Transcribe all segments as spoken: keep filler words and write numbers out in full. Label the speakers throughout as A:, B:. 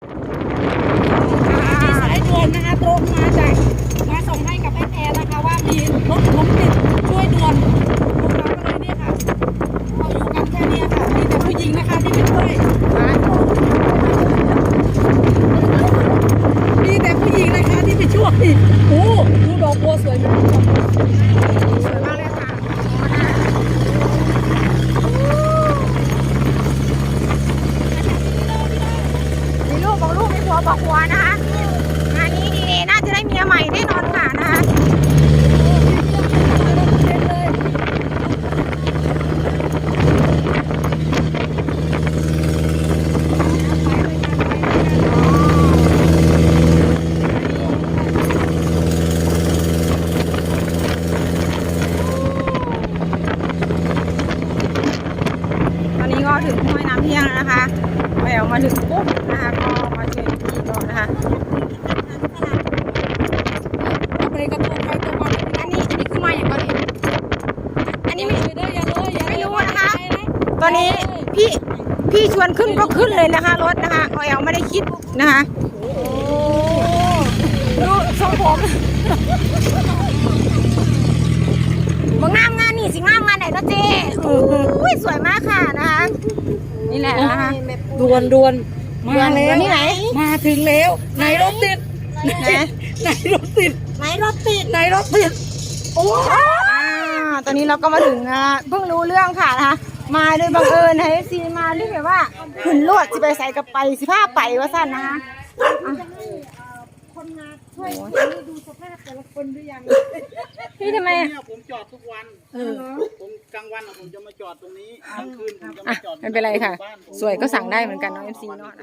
A: มีสายด่วนนะคะตรงมาจากมาส่งให้กับแอนแอนนะคะว่ามีรถล้มติดช่วยด่วนพวกเราก็เลยเนี่ยค่ะเราอยู่กันแค่นี้ค่ะมีแต่ผู้หญิงนะคะที่ไปช่วยมีแต่ผู้หญิงนะคะที่ไปช่วยโอ้ดูดอกบัวสวยมากสวยมากเลยค่ะ
B: มีลูกบอกลูกมีผัวบอกผัวนะคะงานนี้ดีเอน่าจะได้เมียใหม่แน่นอนค่ะนะคะตอนนี้ก็ถึงห้วยน้ำเที่ยงแล้วนะคะแหววมาถึงปุ๊บนะคะก็มาเจอพี่ก่อนนะคะ
A: ไปกระโดดไปตัวมัน
B: อันนี้อันนี้คือมาอย่างก่อนเลยอันนี้ไม่
A: ไม่ได้อย่าเลยอย่า
B: ไม่รู้นะคะตอนนี้พี่พี่ชวนขึ้นก็ขึ้นเลยนะคะรถนะคะแหววไม่ได้คิดนะคะดูทรงผมมางามงานนี่สิงามงานไหนเนาะเจ๊โอ้ยสวยมากค่ะนะคะนี่แหละนะคะ
A: ดวนดวนมาแล้ว
B: ดวนที่ไหน
A: มาถึงแล้วไหนรถติดไหนไหนรถติด
B: ไหนรถติด
A: ไหนรถติดโอ้
B: อ่าตอนนี้เราก็มาถึงนะเพิ่งรู้เรื่องค่ะนะคะมาโดยบังเอิญนะเอฟซีมาเรียกแบบว่าขึ้นรถสิไปใส่กับไปสิผ้าไปว่าสั้นนะคะอ่ะ
A: คนงานช่วยดูสภาพแต่ละคนหรือยัง
B: พี่ทำไม
C: เนี่ยผมจอดทุกวันผมกลางวันอะผมจะมาจอดตรงนี้กลางคืนผมจะ
B: อ่ะ
C: มาจอด
B: ไม่เป็นไรค่ะ สวยก็สั่งได้เหมือนกันเนาะเอฟซีเนาะ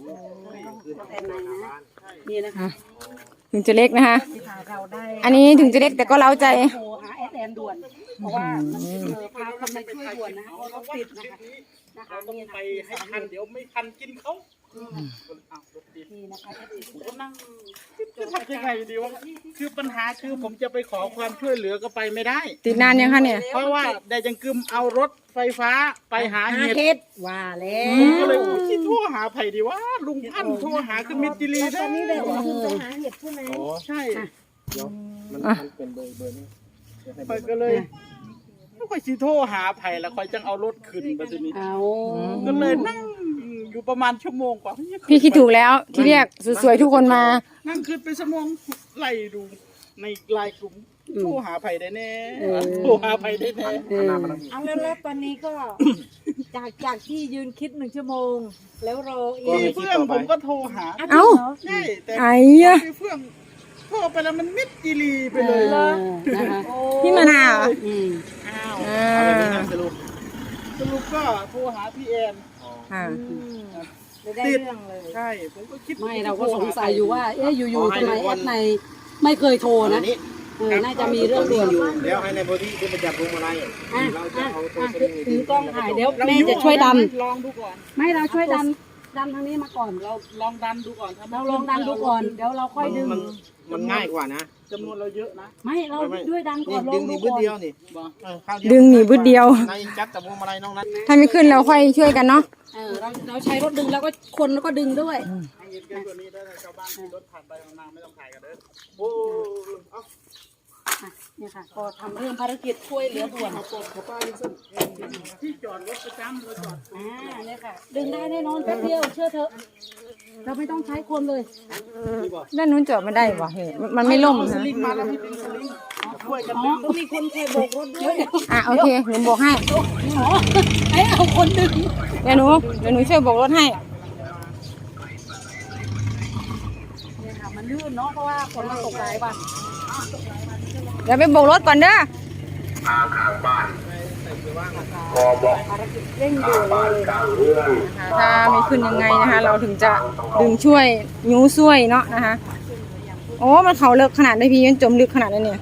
A: นี่นะคะ
B: ถึงจะเล็กนะคะ
A: เราได้
B: อันนี้ถึงจะเล็กแต่ก็เล้าใจ
A: โทรหาแอดแอนด่วนเพราะว่าเออพาคนมาช่วยด่วนนะเพราะรถติดนะคะนะคะ
C: เราต้อง
A: นี่
C: ไป
A: นะ
C: ให้ทันเดี๋ยวไม่ทันกินเขาอ้าวรถติด
A: นี่นะคะ
C: ผมก็นั่งจะทำยังไงดีวะคือปัญหาคือผมจะไปขอความช่วยเหลือก็ไปไม่ได้
B: ติดนานยังคะเนี่ย
C: เพราะว่าได้จังกึมเอารถไฟฟ้าไปหา
A: อา
C: เห็ด
A: เทศว่าแล้
C: ผมก็
A: ว
C: เลยคิดโทรหาไผ่ดีว่าลุงพันธุ์โทรหาคือมิตรจิรี
A: ต
C: ได้
A: อนนี้เลยคือไปหาเห็ดใช่ไหม
C: ใช่
B: อ่ะ
C: ไผ่ก็เลยไม่ค่อยสิโทรหาไผ่แล้วค่อยจังเอารถขึ้นไปทีนี้
A: เอา
C: ก็เลยนั่งอยู่ประมาณชั่วโมงกว่า
B: พี่คิดถูกแล้วที่เรียกสวยๆทุกคนมา
C: นั่งขึ้นไปชั่วโมงไล่ดูในไลน์กลุ่มโทรหาไผ่ได้แน่โทรหาไผ่ได้แน่
A: เอาแล้วแล้วตอนนี้ก็ จากจากที่ยืนคิดหนึ่งชั่วโมง แล้วรออี
C: มี
A: ก
C: เพื่อนผมก็โทรหา
B: เอ้า
C: ใช่แต่
B: ไอ้อะ
C: มีเพื่อนโทรไปแล้วมันมิดจีรีไปเลย
A: นะคะ
B: พี่มะนาว
A: อืม
C: อ้าว
B: อ่า
C: สรุปสรุปก็โทรหาพี่แอน
B: อ่า
A: ไม่ได้เรื่องเลย
C: ใช่ผมก็คิด
D: ไม่เราก็สงสัยอยู่ว่า เอ๊ะอยู่ๆทำไมแอดในไม่เคยโทรนะเออน่าจะมีเรื่องด่วน
E: เดี๋ยวให้ในพื้นที่ที่ประจับพวงมาลัย
D: อ่ะ
E: เราจะ
D: อ่ะ
E: เอาตัว
D: อ่ะ
E: สลิง
D: ถือกล้องถ่ายเดี๋ยว
C: เรา
D: แม่จะช่วยดัน
C: ลองดูก่อน
D: ไม่เราช่วยดันดันทางนี้มาก่อน
C: เราลองดันดูก่อนถ้
D: เราลองดันดูก่อน เดี๋ยวเราค่อยดึง
E: มันมันง่ายกว่านะ
C: จำนวนเราเยอะนะ
D: ไม่เราด้วยดันก่
E: นี่
D: อนล
E: ดึ
D: อง
E: ง
D: ดู
E: นี่บึ้
D: ก่
E: ด
D: อน
E: เดียวนี่
C: บอก
E: เออข้าวเดียว
B: ดึงหนีบึดเดียว
E: ในจับแต่พวงมาลัยน้องนั้น
B: ถ้าไม่ขึ้นเราค่อยช่วยกันเนาะ
D: เออเราเราใช้รถดึงแล้วก็คนแล้วก็ดึงด้วย
C: ให้เห็นแค่ตัวนี้ได้ชาวบ้านขี่รถผ่านไปนานไม่ต้องถ่ายกันเด้อโอ้เอา
D: อ่ะเนี่ยค่ะก็ทำเรื่องภารกิจช่วยเหลือด่วน
C: ที่จอดรถประจำเราจอด
D: อ่าเนี่ยค่ะ ดึงได้แน่นอนแป๊บเดียวเชื่อเถอะเราไม่ต้องใช้คนเลย
B: ด้านนู้นจอดไม่ได้วะเฮ้ยมันไม่ล่ม
C: ส
B: นะ
C: ลิงมาแล้วให้เป็นสลิงช่วยกัน
D: อ๋อต้องมีคนคอยโบกรถด้วย
B: อ่ะโอเคหนูบอกให้
D: อ๋อไอ้เอาคนดึง
B: เดี๋ยวหนูเดี๋ยวหนูช่วยโบอกรถให้
D: เนี่ยค่ะมันลื่นเนาะเพราะว่าฝนมันตกหลายวัน
B: เดี๋ยวไปโบกรถก่อนเด้อ
D: เร่งด่วนเลย
B: ถ้าไม่ขึ้นยังไงนะคะ เราถึงจะดึงช่วยยูช่วยเนาะนะคะ โอ้มันเขาเลิกขนาดได้พี่มันจมลึกขนาดนั้นเนี่ย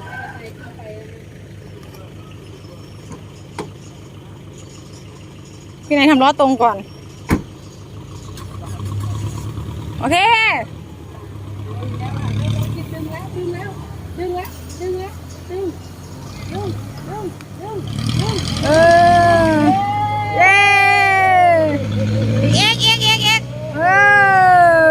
B: พี่นายทำล้อตรงก่อน โอเค
D: ดึงแล้วดึงแล้วดึงแล้วดึงแล้วดึงดึงดึงดึงดึง
B: เออเย้เอ็กเอ็กเอ็กเอ็กเออ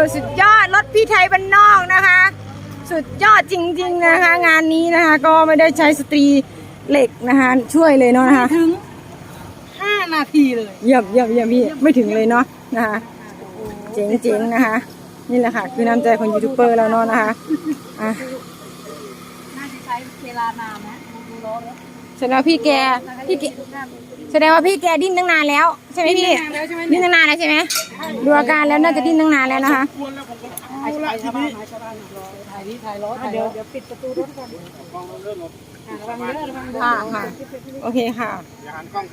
B: สุดยอดจริงๆนะคะ งานนี้นะคะ ก็ไม่ได้ใช้สตรีเหล็กนะคะช่วยเลยเนาะนะคะ
A: ถึงห้านาทีเลย
B: เยี่ยมเยี่ยมเยี่ยมพี่ไม่ถึงเลยเนาะนะคะเจ๋งเจ๋งนะคะ นี่แหละค่ะคือน้ำใจของยูทูบเบอร์เราเนาะนะคะอ่ะ
A: น่าจะใช้เวลานานนะดูร้อนแล้ว
B: แสดงว่าพี่แกพี่แกแสดงว่าพี่แกดิ้นตั้งนานแล้วใช่ไหมพี่
A: นานแล้วใช่ไหม
B: ดิ้นตั้งนานแล้วใช่ไหมดูอาการแล้วน่าจะดิ้นตั้งนานแล้วนะคะ
C: ควรแล้วผมก็
A: ถ่า
C: เอา
A: ย
C: ละที
A: ชาวบ้า
C: นี้
A: นชาวบ้านถ่ายนี่ถ่ายรถเดี๋ยวเดี๋ยวปิดประตูรถก่อนระวังเด้อระวังเด้อ
B: ค่ะค่ะโอเคค่ะ
E: อย่าหันกล้อง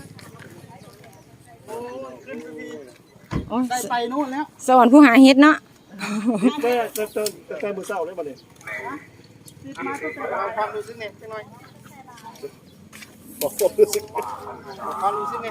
B: โอ้ย
C: ได้ไปนู่นแล้ว
B: สวรรค์ผู้หาเฮ็ดเนาะ
C: เติมเติมเติมเติมมือเศร้าเลยบ่เลย
E: เอาความรู้สึกไงจังหน่อย
C: บอกผมรู้สึก
E: เอาความรู้สึกไง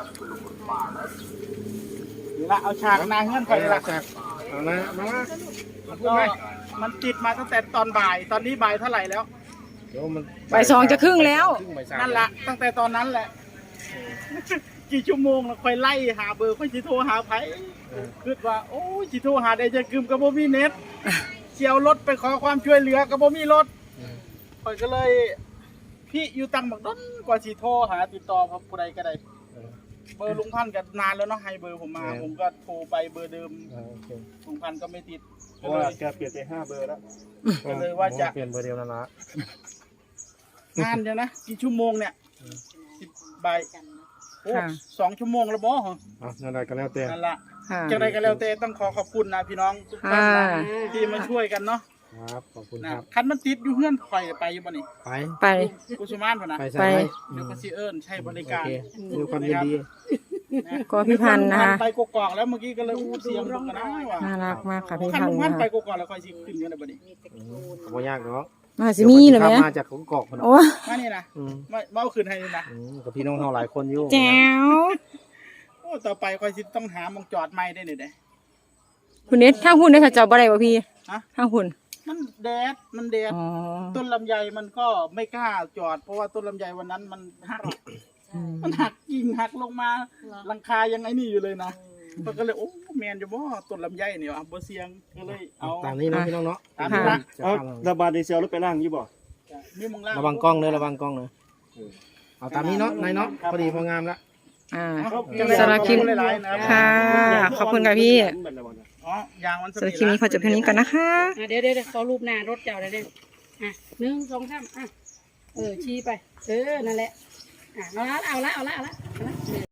C: นี่ละเอาฉากนางเงื่อน
E: ไป
C: ไป
E: ห
C: ละ
E: ลักจากเอานะมามาพูด
C: ก็
E: ไหม
C: มันติดมาตั้งแต่ตอนบ่าย ตอนนี้บ่ายเท่าไหร่แล้ว
E: เดี๋ยวมัน
B: บ่ายสองจะครึ่งแล้ว
E: ครึ่งบ่ายสาม
C: นั่นละตั้งแต่ตอนนั้นแหละ กี่ชั่วโมงแล้วค่อยไล่หาเบอร์ค่อยจิโทรหาไผคิดว่าโอ้ยจิโทรหาได้จะกึมกับบ่มีเน็ตเชียวรถไปขอความช่วยเหลือกับบ่มีรถค่อยก็เลย พี่อยู่ตังบักดนกว่าสิโทรหาติดต่อผู้ใดก็ได้เบอร์ลุงพันธุ์ก็นานแล้วเนาะให้เบอร์ผมมา ผมก็โทรไปเบอร์เดิม
E: อ่าโอเค
C: ลุงพันธุ์ก็ไม่ติด
F: เพ
C: ก็
F: ราะ
C: เล
F: ว่าย แกเปลี่ยนไปห้าเบอร์แล้ว
C: ก็เลยว่าจะ
E: เปลี่ยนเบอร์เดียวนั่นละ
C: นานเดียวนะกี่ชั่วโมงเนี่ยสิบใบายโอ้
B: ค่ะ
C: สองชั่วโมงแล้วบ่เหรอ
E: อ่ะนั่นแหละก็แล้วแต่
C: นั่นละ
B: ค่ะ
C: จากใดก็แล้วแต่ต้องขอขอบคุณนะพี่น้องทุกท่านนะ
B: ค่ะ
C: ที่มาช่วยกันเนาะ
E: ครับขอบคุณ
C: นะครับ
E: ครับ
C: คันมันติดอยู่เฮือนข่อยไปอยู่บ่นี่
E: ไป
B: ไป
C: กุสุมานพุ่นนะ
E: ไปใส่ไหม
C: เดี๋ยวก็สิเอิ้นใช้บริ
E: โอ
C: การ
E: เคด้วยความยินดี
B: ก็พี่พันธุ์นะคะ
C: ไปกกอกแล้วเมื่อกี้ก็เลยอู้เสียงเบิ่งกันนะว่า
B: น่ารักมากค่ะพี่
C: คัน
B: พัน
C: ลุ
B: ธุ์
C: งพัน
B: นะ
C: ธุ์ไป
B: คะ
C: กกอกแล้วค่อยสิขึ้นอยู่ในบ่นี่
E: อืมบ่ยากเนาะ
B: มาสิมีเหรอ
E: ขับ
B: แม่
E: มาจากของกอกพุ่น
B: โอ้
C: มานี่นะ
E: อืม
C: มามาเอาขึ้นให้นี่นะ
E: อืมกับพี่น้องเราหลายคนอยู่
B: แจ๋ว
C: โอ้ต่อไปค่อยสิต้องหาหมองจอดใหม่ได้นี่เด้
B: คุณเน็ตทางหุ่นได้ค่ะจอบบ่ได้บ่พี่
C: ฮะ
B: ทางหุ่น
C: มันแดดมันแดด
B: อ๋อ
C: ต้นลำไยมันก็ไม่กล้าจอด เพราะว่าต้นลำไยวันนั้นมันหักมันหักกิ่งหักลงมาหลังคายังไงนี่อยู่เลยนะมันก็เลยโอ้แมนจะบ่ต้นลำไยเนี่ยอ่ะบ่เสียงก็เลยเอา
E: ตามนี้เนาะพี่น้องเนาะ
C: ตามนี้ละ
E: จะ
F: เอา
E: ทำอะไร
F: ระบาดดีเซลรถไปล่างยี่บ่
C: มีมึงล่า
E: ระวังกล้องเนอะระวังกล้องเนอะเอาตามนี้เนาะนายเนาะพอดีพองามละ
B: อ่า
C: จัง
B: สำหรับคลิป
C: หลายๆนะครับ
B: ค่ะ ขอบคุณค่ะพี่
C: อ๋อยางมัน
B: สำหรับคลิปนี้ขอจบเพียงนี้ก่อนนะคะ
A: อ่ะเดี๋ยวเดี๋ยวเดี๋ยวขอรูปหน้ารถเจ้าเดี๋ยวเดี๋ยวอ่ะหนึ่งสองสามอ่ะเออชี้ไป เออนั่นแหละอ่ะเอาละเอาละเอาละเอาละเอาละ